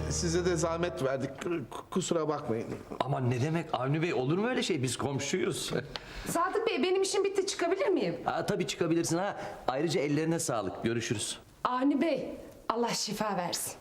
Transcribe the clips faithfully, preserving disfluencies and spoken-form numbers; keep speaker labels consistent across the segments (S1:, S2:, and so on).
S1: size de zahmet verdik. Kusura bakmayın.
S2: Aman ne demek Avni Bey, olur mu öyle şey? Biz komşuyuz.
S3: Sadık Bey, benim işim bitti, çıkabilir miyim?
S2: Ha, tabii çıkabilirsin ha. Ayrıca ellerine sağlık. Görüşürüz.
S3: Avni Bey, Allah şifa versin.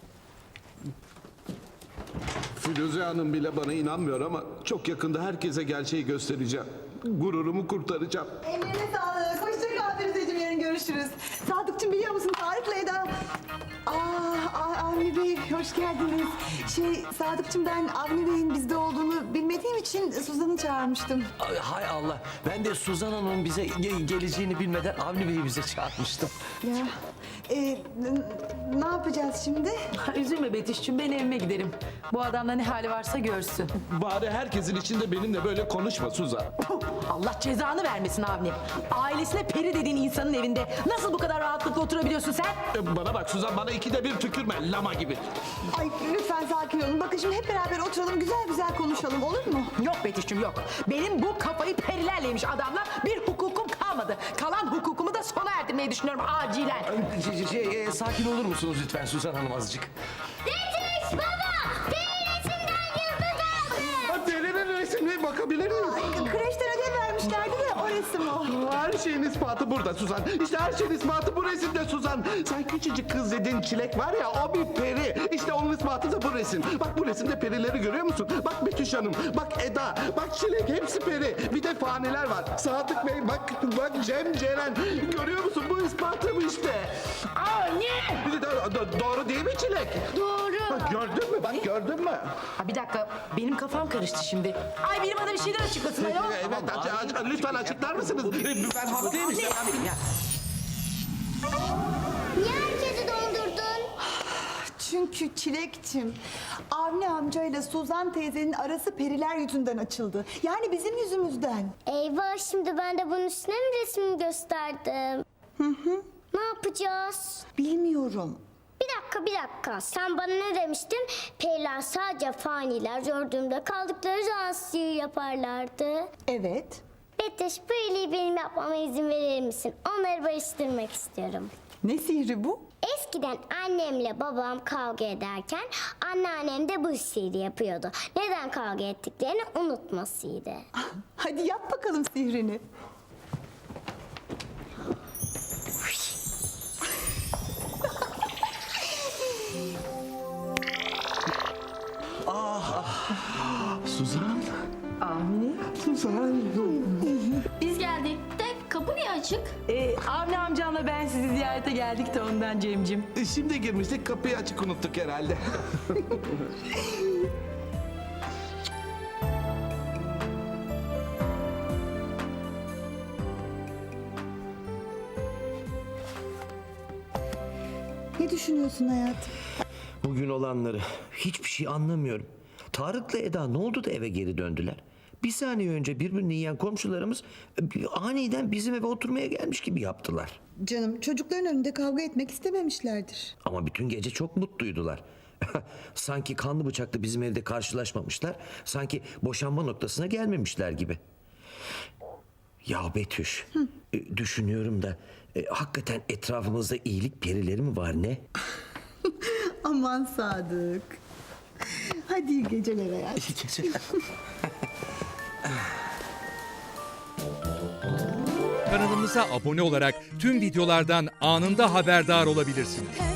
S1: Firuze Hanım bile bana inanmıyor ama çok yakında herkese gerçeği göstereceğim. Gururumu kurtaracağım.
S4: Ellerine sağlık. Hoşça kal Firuzeciğim, yarın görüşürüz. Sadıkçım, biliyor musun Tarık'la Eda... Aa, Aa, Avni Bey hoş geldiniz. Şey Sadıkçım, ben Avni Bey'in bizde olduğunu bilmediğim için Suzan'ı çağırmıştım.
S2: Ay, hay Allah. Ben de Suzan Hanım'ın bize ge- geleceğini bilmeden Avni Bey'i bize çağırmıştım.
S4: Ya e, n- ne yapacağız şimdi?
S5: Üzülme Betüş'cüğüm, ben evime giderim. Bu adamda ne hali varsa görsün.
S1: Bari herkesin içinde benimle böyle konuşma Suzan.
S5: Allah cezanı vermesin Avni. Ailesine peri dediğin insanın evinde nasıl bu kadar rahatlıkla oturabiliyorsun sen?
S1: E, Bana bak Suzan, bana ikide bir tükürme lama gibi.
S4: Ay lütfen sakin olun. Bakın şimdi hep beraber oturalım, güzel güzel konuşalım, olur mu?
S5: Yok Betüş'cüğüm yok. Benim bu kafayı perilerle adamla bir hukukum kalmadı. Kalan hukukumu da sona erdirmeyi düşünüyorum acilen.
S2: Şey, şey, e, sakin olur musunuz lütfen Suzan Hanım azıcık?
S6: Yetiş baba! Benim resimden yıldız aldı!
S1: Delinin resmine bakabilir miyim?
S4: Ay, kreşten ödev vermişlerdi de o resim o.
S1: Her şeyin ispatı burada Suzan. İşte her şeyin ispatı bu resimde Suzan. Sen küçücük kız dediğin Çilek var ya, o bir peri. İşte onun ispatı da bu resim. Bak bu resimde perileri görüyor musun? Bak Betüş Hanım, bak Eda, bak Çilek, hepsi peri. Bir de faniler var. Sadık Bey, bak bak Cem, Ceren. Görüyor musun? Bu ispatı bu işte.
S5: Anne!
S1: Bir de do- do- doğru değil mi Çilek?
S6: Doğru.
S1: Bak gördün mü? Bak gördün mü?
S5: Ha, bir dakika, benim kafam karıştı şimdi. Ay benim bana bir şeyler açıklasın ayol.
S1: Evet, aç- aç- lütfen açıklar mısınız? Ben haklıyım işte.
S6: Niye herkesi dondurdun?
S4: Çünkü Çilekçim, Avni amcayla Suzan teyzenin arası periler yüzünden açıldı. Yani bizim yüzümüzden.
S6: Eyvah, şimdi ben de bunun üstüne mi resmimi gösterdim? Hı hı. Ne yapacağız?
S4: Bilmiyorum.
S6: Bir dakika bir dakika. Sen bana ne demiştin? Periler sadece faniler gördüğümde kaldıkları zaman sihir yaparlardı.
S4: Evet.
S6: Betüş, bu iyiliği benim yapmama izin verir misin? Onları barıştırmak istiyorum.
S4: Ne sihri bu?
S6: Eskiden annemle babam kavga ederken anneannem de bu sihri yapıyordu. Neden kavga ettiklerini unutmasıydı.
S4: Hadi yap bakalım sihrini.
S1: Suzan.
S5: Avni?
S1: Suzan.
S7: Biz geldik de kapı niye açık?
S5: Ee, Avni amcamla ben sizi ziyarete geldik de ondan Cemcim.
S1: Şimdi girmiştik, kapıyı açık unuttuk herhalde.
S4: Ne düşünüyorsun hayatım?
S2: Bugün olanları hiçbir şey anlamıyorum. Tarık'la Eda ne oldu da eve geri döndüler? Bir saniye önce birbirini yiyen komşularımız e, aniden bizim eve oturmaya gelmiş gibi yaptılar.
S4: Canım, çocukların önünde kavga etmek istememişlerdir.
S2: Ama bütün gece çok mutluydular. Sanki kanlı bıçaklı bizim evde karşılaşmamışlar. Sanki boşanma noktasına gelmemişler gibi. Ya Betüş, e, düşünüyorum da e, hakikaten etrafımızda iyilik perileri mi var ne?
S4: Aman Sadık. Hadi iyi geceler hayatım.
S2: İyi geceler.
S8: Kanalımıza abone olarak tüm videolardan anında haberdar olabilirsiniz.